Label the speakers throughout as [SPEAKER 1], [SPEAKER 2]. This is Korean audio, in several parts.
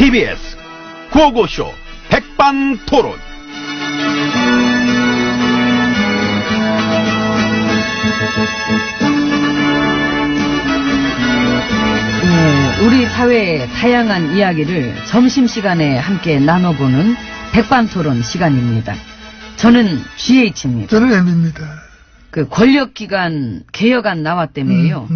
[SPEAKER 1] TBS 구호고쇼 백반토론.
[SPEAKER 2] 우리 사회의 다양한 이야기를 점심시간에 함께 나눠보는 백반토론 시간입니다. 저는 GH입니다.
[SPEAKER 3] 저는 M입니다.
[SPEAKER 2] 그 권력기관 개혁안 나왔다며요.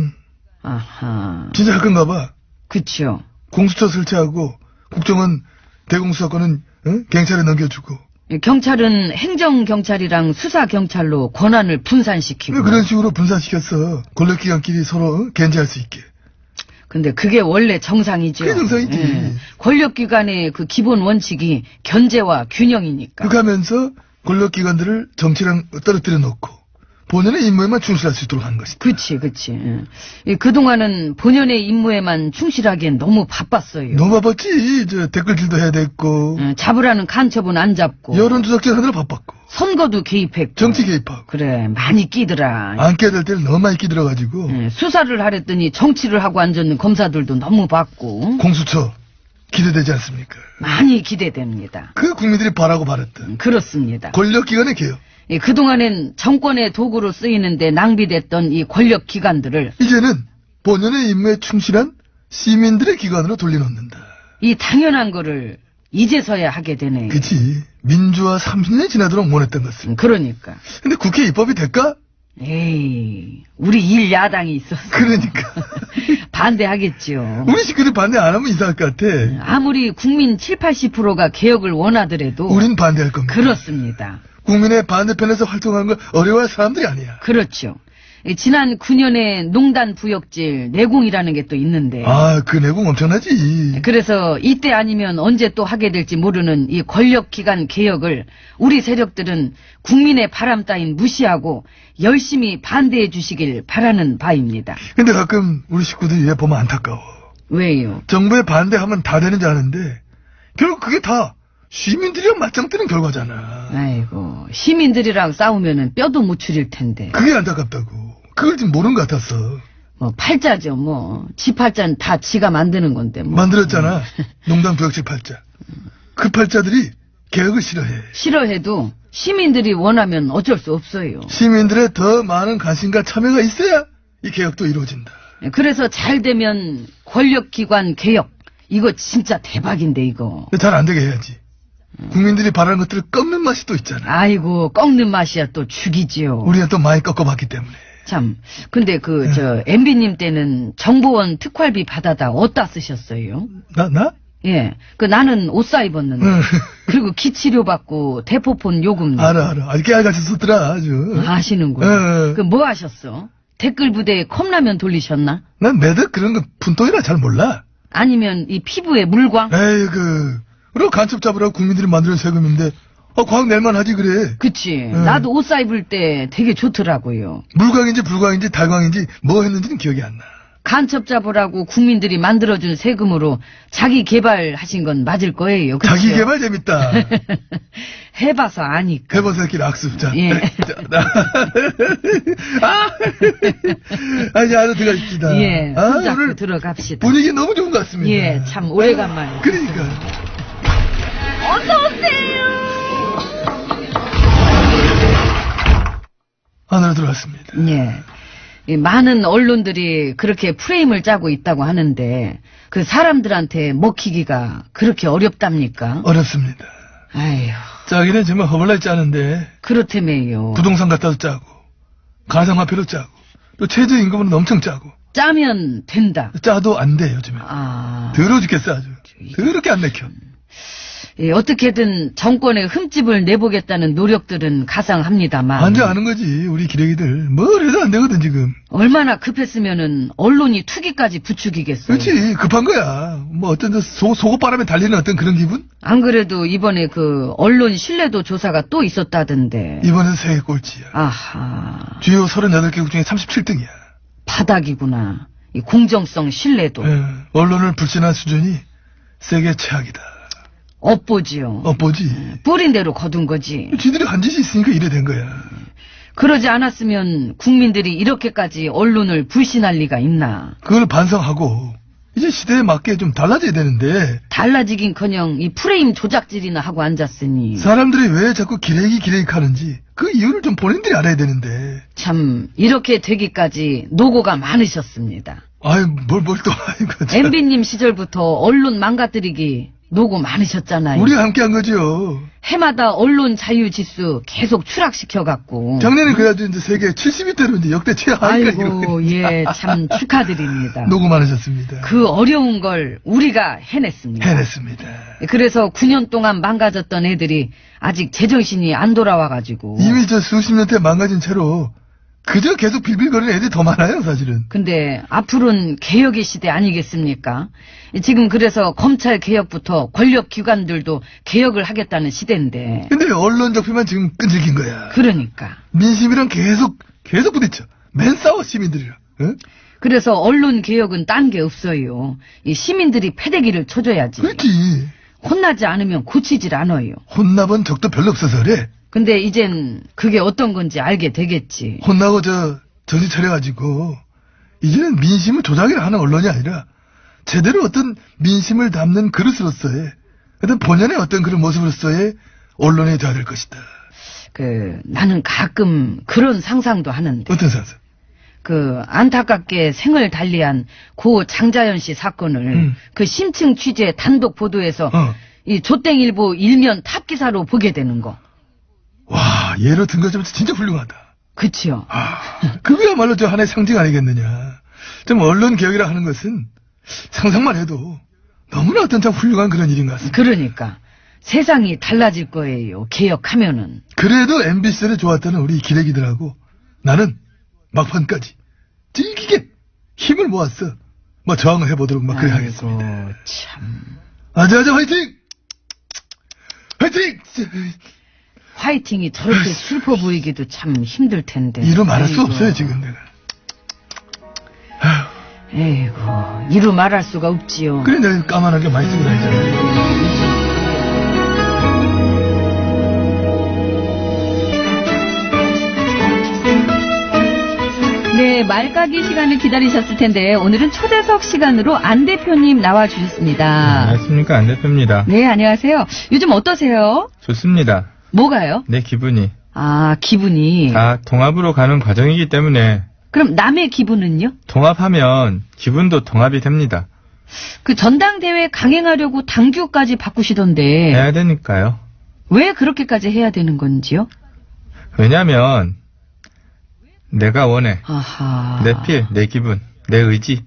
[SPEAKER 2] 아하.
[SPEAKER 3] 진짜 할 건가 봐.
[SPEAKER 2] 그쵸.
[SPEAKER 3] 공수처 설치하고 국정원 대공수사권은 경찰에 넘겨주고.
[SPEAKER 2] 경찰은 행정경찰이랑 수사경찰로 권한을 분산시키고.
[SPEAKER 3] 그런 식으로 분산시켰어. 권력기관끼리 서로 견제할 수 있게.
[SPEAKER 2] 근데 그게 원래 정상이죠.
[SPEAKER 3] 그게 정상이지.
[SPEAKER 2] 예. 권력기관의 그 기본 원칙이 견제와 균형이니까.
[SPEAKER 3] 그렇게 하면서 권력기관들을 정치랑 떨어뜨려 놓고 본연의 임무에만 충실할 수 있도록 하는 것이다.
[SPEAKER 2] 그치. 예. 그동안은 본연의 임무에만 충실하기엔 너무 바빴어요.
[SPEAKER 3] 너무 바빴지. 댓글질도 해야 됐고.
[SPEAKER 2] 잡으라는 간첩은 안 잡고.
[SPEAKER 3] 여론조작질 하느라 바빴고.
[SPEAKER 2] 선거도 개입했고.
[SPEAKER 3] 정치 개입하고.
[SPEAKER 2] 그래, 많이 끼더라.
[SPEAKER 3] 안 깨야 될 때를 너무 많이 끼들어가지고.
[SPEAKER 2] 수사를 하랬더니 정치를 하고 앉았는 검사들도 너무 받고.
[SPEAKER 3] 공수처 기대되지 않습니까?
[SPEAKER 2] 많이 기대됩니다.
[SPEAKER 3] 그 국민들이 바라고 바랐던.
[SPEAKER 2] 그렇습니다.
[SPEAKER 3] 권력기관의 개혁.
[SPEAKER 2] 그동안엔 정권의 도구로 쓰이는데 낭비됐던 이 권력기관들을
[SPEAKER 3] 이제는 본연의 임무에 충실한 시민들의 기관으로 돌려놓는다.
[SPEAKER 2] 이 당연한 거를 이제서야 하게 되네.
[SPEAKER 3] 그치. 민주화 30년이 지나도록 원했던 것을.
[SPEAKER 2] 그러니까.
[SPEAKER 3] 근데 국회 입법이 될까?
[SPEAKER 2] 에이, 우리 일 야당이 있어서.
[SPEAKER 3] 그러니까.
[SPEAKER 2] 반대하겠죠.
[SPEAKER 3] 우리 식구들 반대 안 하면 이상할 것 같아.
[SPEAKER 2] 아무리 국민 7, 80%가 개혁을 원하더라도.
[SPEAKER 3] 우린 반대할 겁니다.
[SPEAKER 2] 그렇습니다.
[SPEAKER 3] 국민의 반대편에서 활동하는 걸 어려워할 사람들이 아니야.
[SPEAKER 2] 그렇죠. 지난 9년에 농단 부역질 내공이라는 게 또 있는데.
[SPEAKER 3] 아, 그 내공 엄청나지.
[SPEAKER 2] 그래서 이때 아니면 언제 또 하게 될지 모르는 이 권력기관 개혁을 우리 세력들은 국민의 바람 따윈 무시하고 열심히 반대해 주시길 바라는 바입니다.
[SPEAKER 3] 근데 가끔 우리 식구들이 얘 보면 안타까워.
[SPEAKER 2] 왜요?
[SPEAKER 3] 정부에 반대하면 다 되는 줄 아는데 결국 그게 다 시민들이랑 맞짱 뜨는 결과잖아.
[SPEAKER 2] 아이고, 시민들이랑 싸우면은 뼈도 못 추릴 텐데.
[SPEAKER 3] 그게 안타깝다고. 그걸 지금 모르는 것 같았어.
[SPEAKER 2] 뭐 팔자죠, 뭐. 지 팔자는 다 지가 만드는 건데 뭐.
[SPEAKER 3] 만들었잖아. 농담 부역질 팔자. 그 팔자들이 개혁을 싫어해.
[SPEAKER 2] 싫어해도 시민들이 원하면 어쩔 수 없어요.
[SPEAKER 3] 시민들의 더 많은 관심과 참여가 있어야 이 개혁도 이루어진다.
[SPEAKER 2] 그래서 잘 되면 권력기관 개혁. 이거 진짜 대박인데 이거.
[SPEAKER 3] 잘 안 되게 해야지. 국민들이 바라는 것들을 꺾는 맛이 또 있잖아.
[SPEAKER 2] 아이고, 꺾는 맛이야 또 죽이지요.
[SPEAKER 3] 우리가 또 많이 꺾어봤기 때문에.
[SPEAKER 2] 참, 근데 MB님 때는 정보원 특활비 받아다 어디다 쓰셨어요?
[SPEAKER 3] 나?
[SPEAKER 2] 예, 나는 옷 사 입었는데. 그리고 기치료 받고 대포폰 요금.
[SPEAKER 3] 알아. 아주 깨알같이 썼더라, 아주.
[SPEAKER 2] 아시는구나. 뭐 하셨어? 댓글 부대에 컵라면 돌리셨나?
[SPEAKER 3] 난 매덕 그런 거 푼돈이라 잘 몰라.
[SPEAKER 2] 아니면 이 피부에 물광?
[SPEAKER 3] 에이, 그리고 간첩 잡으라고 국민들이 만드는 세금인데, 광 낼만 하지, 그래.
[SPEAKER 2] 그치. 나도 옷 사 입을 때 되게 좋더라고요.
[SPEAKER 3] 물광인지 불광인지 달광인지 뭐 했는지는 기억이 안 나.
[SPEAKER 2] 간첩 잡으라고 국민들이 만들어준 세금으로 자기 개발하신 건 맞을 거예요. 그쵸?
[SPEAKER 3] 자기 개발 재밌다.
[SPEAKER 2] 해봐서 아니까.
[SPEAKER 3] 해봐서 이렇게 악수. 자.
[SPEAKER 2] 예.
[SPEAKER 3] 이제 안으로 들어가십시다.
[SPEAKER 2] 예. 손잡고 들어갑시다.
[SPEAKER 3] 분위기 너무 좋은 것 같습니다.
[SPEAKER 2] 예, 참 오래간만에.
[SPEAKER 3] 그러니까.
[SPEAKER 2] 어서오세요.
[SPEAKER 3] 안으로 들어왔습니다.
[SPEAKER 2] 예. 많은 언론들이 그렇게 프레임을 짜고 있다고 하는데 그 사람들한테 먹히기가 그렇게 어렵답니까?
[SPEAKER 3] 어렵습니다.
[SPEAKER 2] 아휴.
[SPEAKER 3] 짜기는 정말 허벌나게 짜는데
[SPEAKER 2] 그렇다며요.
[SPEAKER 3] 부동산 갖다도 짜고 가상화폐로 짜고 또 최저임금은 엄청 짜고
[SPEAKER 2] 짜면 된다.
[SPEAKER 3] 짜도 안 돼 요즘에. 더러워 죽겠어 아주. 더럽게 안 내켜.
[SPEAKER 2] 예, 어떻게든 정권의 흠집을 내보겠다는 노력들은 가상합니다만.
[SPEAKER 3] 완전 아는 거지 우리 기레기들. 뭘 해도 안 되거든 지금.
[SPEAKER 2] 얼마나 급했으면은 언론이 투기까지 부추기겠어요.
[SPEAKER 3] 그렇지 급한 거야. 뭐 어떤 속옷바람에 달리는 어떤 그런 기분?
[SPEAKER 2] 안 그래도 이번에 언론 신뢰도 조사가 또 있었다던데.
[SPEAKER 3] 이번엔 세계 꼴찌야.
[SPEAKER 2] 아하.
[SPEAKER 3] 주요 38개국 중에 37등이야.
[SPEAKER 2] 바닥이구나. 이 공정성 신뢰도.
[SPEAKER 3] 언론을 불신한 수준이 세계 최악이다.
[SPEAKER 2] 업보지요.
[SPEAKER 3] 업보지.
[SPEAKER 2] 뿌린 대로 거둔 거지.
[SPEAKER 3] 지들이 한 짓이 있으니까 이래 된 거야.
[SPEAKER 2] 그러지 않았으면 국민들이 이렇게까지 언론을 불신할 리가 있나.
[SPEAKER 3] 그걸 반성하고 이제 시대에 맞게 좀 달라져야 되는데
[SPEAKER 2] 달라지긴커녕 이 프레임 조작질이나 하고 앉았으니
[SPEAKER 3] 사람들이 왜 자꾸 기레기 하는지 그 이유를 좀 본인들이 알아야 되는데.
[SPEAKER 2] 참 이렇게 되기까지 노고가 많으셨습니다.
[SPEAKER 3] 아유, 뭘 또, 아이고. 참.
[SPEAKER 2] MB님 시절부터 언론 망가뜨리기 노고 많으셨잖아요.
[SPEAKER 3] 우리가 함께 한 거죠.
[SPEAKER 2] 해마다 언론 자유 지수 계속 추락시켜갖고.
[SPEAKER 3] 작년에 그래가지고 이제 세계 70위대로 이제 역대 최하위가
[SPEAKER 2] 아이고, 예, 참 축하드립니다.
[SPEAKER 3] 노고 많으셨습니다.
[SPEAKER 2] 그 어려운 걸 우리가 해냈습니다.
[SPEAKER 3] 해냈습니다.
[SPEAKER 2] 그래서 9년 동안 망가졌던 애들이 아직 제정신이 안 돌아와가지고.
[SPEAKER 3] 이미 저 수십 년째 망가진 채로 그저 계속 빌빌거리는 애들이 더 많아요, 사실은.
[SPEAKER 2] 근데 앞으로는 개혁의 시대 아니겠습니까? 지금 그래서 검찰 개혁부터 권력기관들도 개혁을 하겠다는 시대인데.
[SPEAKER 3] 근데 언론 적폐만 지금 끈질긴 거야.
[SPEAKER 2] 그러니까.
[SPEAKER 3] 민심이랑 계속 부딪혀. 맨 싸워, 시민들이랑. 응?
[SPEAKER 2] 그래서 언론 개혁은 딴 게 없어요. 이 시민들이 패대기를 쳐줘야지.
[SPEAKER 3] 그렇지.
[SPEAKER 2] 혼나지 않으면 고치질 않아요.
[SPEAKER 3] 혼나본 적도 별로 없어서 그래.
[SPEAKER 2] 근데 이젠 그게 어떤 건지 알게 되겠지.
[SPEAKER 3] 혼나고 정신 차려가지고 이제는 민심을 조작이라 하는 언론이 아니라 제대로 어떤 민심을 담는 그릇으로서의 어떤 본연의 어떤 그런 모습으로서의 언론이 돼야 될 것이다.
[SPEAKER 2] 나는 가끔 그런 상상도 하는데.
[SPEAKER 3] 어떤 상상?
[SPEAKER 2] 안타깝게 생을 달리한 고 장자연 씨 사건을 그 심층 취재 단독 보도에서 이 조땡일보 일면 탑 기사로 보게 되는 거.
[SPEAKER 3] 와, 예로 든 것 좀 진짜 훌륭하다.
[SPEAKER 2] 그치요.
[SPEAKER 3] 그거야말로 저 하나의 상징 아니겠느냐. 좀 언론 개혁이라 하는 것은 상상만 해도 너무나 어떤 참 훌륭한 그런 일인 것 같습니다.
[SPEAKER 2] 그러니까 세상이 달라질 거예요. 개혁하면은.
[SPEAKER 3] 그래도 MBC를 좋았다는 우리 기레기들하고 나는 막판까지 질기게 힘을 모았어. 저항을 해보도록 그래 하겠습니다.
[SPEAKER 2] 참.
[SPEAKER 3] 아자아자 화이팅! 화이팅!
[SPEAKER 2] 화이팅이 저렇게 슬퍼 보이기도 참 힘들 텐데.
[SPEAKER 3] 이루 말할 수 없어요, 지금 내가.
[SPEAKER 2] 에이구, 이루 말할 수가 없지요.
[SPEAKER 3] 그래, 내가 까만하게 많이 쓰고 다니잖아.
[SPEAKER 4] 네, 말까기 시간을 기다리셨을 텐데 오늘은 초대석 시간으로 안 대표님 나와주셨습니다.
[SPEAKER 5] 안녕하십니까, 안 대표입니다.
[SPEAKER 4] 네, 안녕하세요. 요즘 어떠세요?
[SPEAKER 5] 좋습니다.
[SPEAKER 4] 뭐가요?
[SPEAKER 5] 내 기분이.
[SPEAKER 4] 아, 기분이.
[SPEAKER 5] 다 통합으로 가는 과정이기 때문에
[SPEAKER 4] 그럼 남의 기분은요?
[SPEAKER 5] 통합하면 기분도 통합이 됩니다.
[SPEAKER 4] 그 전당대회 강행하려고 당규까지 바꾸시던데
[SPEAKER 5] 해야 되니까요.
[SPEAKER 4] 왜 그렇게까지 해야 되는 건지요?
[SPEAKER 5] 왜냐면 내가 원해.
[SPEAKER 4] 아하.
[SPEAKER 5] 내 필, 내 기분, 내 의지.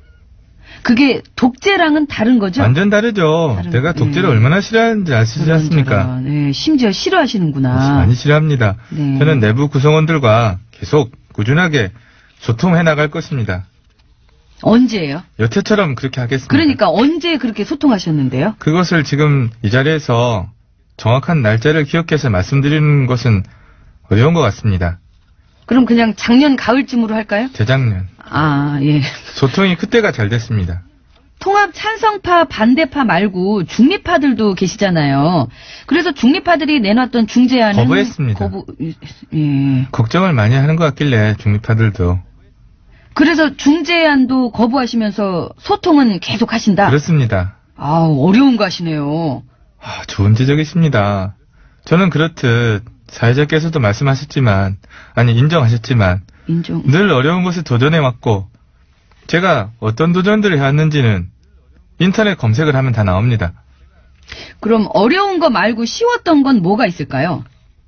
[SPEAKER 4] 그게 독재랑은 다른 거죠?
[SPEAKER 5] 완전 다르죠. 내가 독재를 얼마나 싫어하는지 아시지 않습니까?
[SPEAKER 4] 네, 심지어 싫어하시는구나.
[SPEAKER 5] 많이 싫어합니다.
[SPEAKER 4] 네.
[SPEAKER 5] 저는 내부 구성원들과 계속 꾸준하게 소통해 나갈 것입니다.
[SPEAKER 4] 언제예요?
[SPEAKER 5] 여태처럼 그렇게 하겠습니다.
[SPEAKER 4] 그러니까 언제 그렇게 소통하셨는데요?
[SPEAKER 5] 그것을 지금 이 자리에서 정확한 날짜를 기억해서 말씀드리는 것은 어려운 것 같습니다.
[SPEAKER 4] 그럼 그냥 작년 가을쯤으로 할까요?
[SPEAKER 5] 재작년.
[SPEAKER 4] 아, 예.
[SPEAKER 5] 소통이 그때가 잘 됐습니다.
[SPEAKER 4] 통합 찬성파, 반대파 말고 중립파들도 계시잖아요. 그래서 중립파들이 내놨던 중재안은
[SPEAKER 5] 거부했습니다.
[SPEAKER 4] 예.
[SPEAKER 5] 걱정을 많이 하는 것 같길래 중립파들도.
[SPEAKER 4] 그래서 중재안도 거부하시면서 소통은 계속 하신다?
[SPEAKER 5] 그렇습니다.
[SPEAKER 2] 아우, 어려운 거 하시네요.
[SPEAKER 5] 좋은 지적이십니다. 저는 그렇듯 사회자께서도 말씀하셨지만, 인정하셨지만, 늘 어려운 것에 도전해왔고, 제가 어떤 도전들을 해왔는지는 인터넷 검색을 하면 다 나옵니다.
[SPEAKER 2] 그럼 어려운 거 말고 쉬웠던 건 뭐가 있을까요?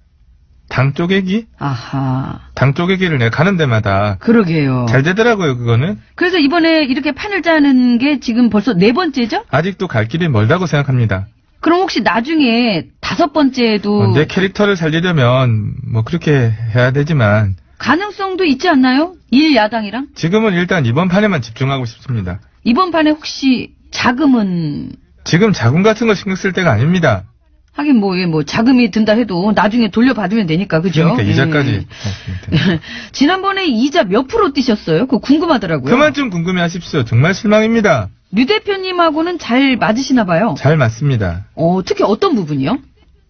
[SPEAKER 5] 당 쪼개기?
[SPEAKER 2] 아하.
[SPEAKER 5] 당 쪼개기를 내가 가는 데마다
[SPEAKER 2] 그러게요.
[SPEAKER 5] 잘 되더라고요, 그거는.
[SPEAKER 2] 그래서 이번에 이렇게 판을 짜는 게 지금 벌써 4번째죠?
[SPEAKER 5] 아직도 갈 길이 멀다고 생각합니다.
[SPEAKER 2] 그럼 혹시 나중에 5번째에도
[SPEAKER 5] 내 캐릭터를 살리려면 그렇게 해야 되지만
[SPEAKER 2] 가능성도 있지 않나요? 1야당이랑?
[SPEAKER 5] 지금은 일단 이번 판에만 집중하고 싶습니다.
[SPEAKER 2] 이번 판에 혹시 자금은?
[SPEAKER 5] 지금 자금 같은 거 신경 쓸 때가 아닙니다.
[SPEAKER 2] 하긴 자금이 든다 해도 나중에 돌려받으면 되니까, 그죠?
[SPEAKER 5] 그러니까 이자까지.
[SPEAKER 2] 지난번에 이자 몇 프로 뛰셨어요? 그거 궁금하더라고요.
[SPEAKER 5] 그만 좀 궁금해 하십시오. 정말 실망입니다.
[SPEAKER 2] 류 대표님하고는 잘 맞으시나 봐요.
[SPEAKER 5] 잘 맞습니다.
[SPEAKER 2] 특히 어떤 부분이요?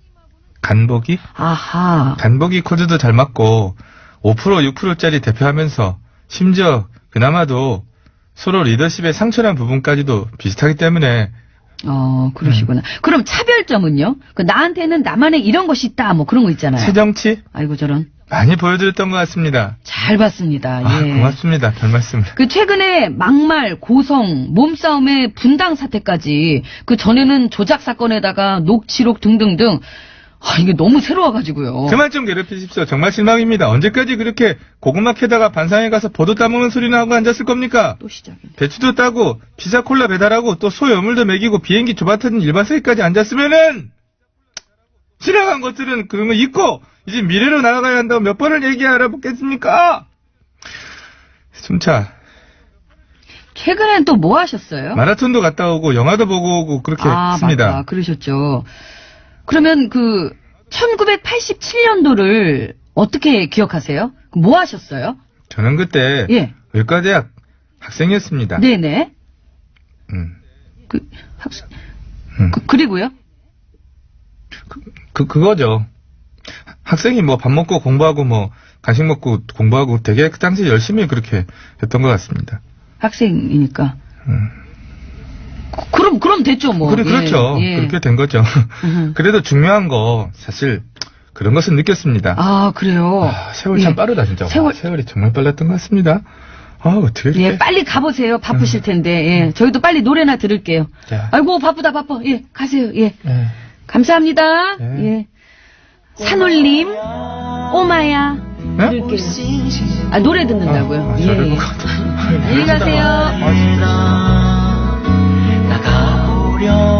[SPEAKER 5] 간보기?
[SPEAKER 2] 아하.
[SPEAKER 5] 간보기 코드도 잘 맞고 5% 6%짜리 대표하면서 심지어 그나마도 서로 리더십의 상처난 부분까지도 비슷하기 때문에
[SPEAKER 2] 그러시구나. 그럼 차별점은요? 나한테는 나만의 이런 것이 있다, 뭐 그런 거 있잖아요.
[SPEAKER 5] 새정치
[SPEAKER 2] 아이고, 저런.
[SPEAKER 5] 많이 보여드렸던 것 같습니다.
[SPEAKER 2] 잘 봤습니다. 예.
[SPEAKER 5] 고맙습니다. 별 말씀을.
[SPEAKER 2] 최근에 막말, 고성, 몸싸움의 분당 사태까지, 전에는 조작 사건에다가 녹취록 등등등, 이게 너무 새로워가지고요.
[SPEAKER 5] 그만 좀 괴롭히십시오. 정말 실망입니다. 언제까지 그렇게 고구마 캐다가 반상에 가서 버도 따먹는 소리나 하고 앉았을 겁니까?
[SPEAKER 2] 또 시작이네.
[SPEAKER 5] 배추도 따고 피자 콜라 배달하고 또 소 여물도 먹이고 비행기 조바터진 일반석에까지 앉았으면은 지나간 것들은 그런 거 있고 이제 미래로 나아가야 한다고 몇 번을 얘기하라 보겠습니까? 숨차.
[SPEAKER 2] 최근엔 또 뭐 하셨어요?
[SPEAKER 5] 마라톤도 갔다 오고 영화도 보고 오고 그렇게 했습니다.
[SPEAKER 2] 맞다. 그러셨죠. 그러면 1987년도를 어떻게 기억하세요? 뭐 하셨어요?
[SPEAKER 5] 저는 그때
[SPEAKER 2] 예.
[SPEAKER 5] 의과대학 학생이었습니다.
[SPEAKER 2] 네네. 학생. 그리고요?
[SPEAKER 5] 그거죠. 학생이 뭐 밥 먹고 공부하고 뭐 간식 먹고 공부하고 되게 그 당시 열심히 그렇게 했던 것 같습니다.
[SPEAKER 2] 학생이니까. 그럼 됐죠, 뭐.
[SPEAKER 5] 그렇죠.
[SPEAKER 2] 예.
[SPEAKER 5] 그렇게 된 거죠. 그래도 중요한 거, 사실, 그런 것은 느꼈습니다.
[SPEAKER 2] 아, 그래요?
[SPEAKER 5] 세월 참
[SPEAKER 2] 예.
[SPEAKER 5] 빠르다, 진짜. 세월이 정말 빨랐던 것 같습니다. 어떻게 이렇게.
[SPEAKER 2] 예, 빨리 가보세요. 바쁘실 텐데. 예. 저희도 빨리 노래나 들을게요.
[SPEAKER 5] 자.
[SPEAKER 2] 아이고, 바빠. 예, 가세요. 예.
[SPEAKER 5] 예.
[SPEAKER 2] 감사합니다.
[SPEAKER 5] 예.
[SPEAKER 2] 예. 산울림, 오마야.
[SPEAKER 5] 네?
[SPEAKER 2] 들을게요. 노래 듣는다고요?
[SPEAKER 5] 저를
[SPEAKER 2] 예.
[SPEAKER 5] 보고.
[SPEAKER 2] 안녕히 가세요.
[SPEAKER 6] 나가보려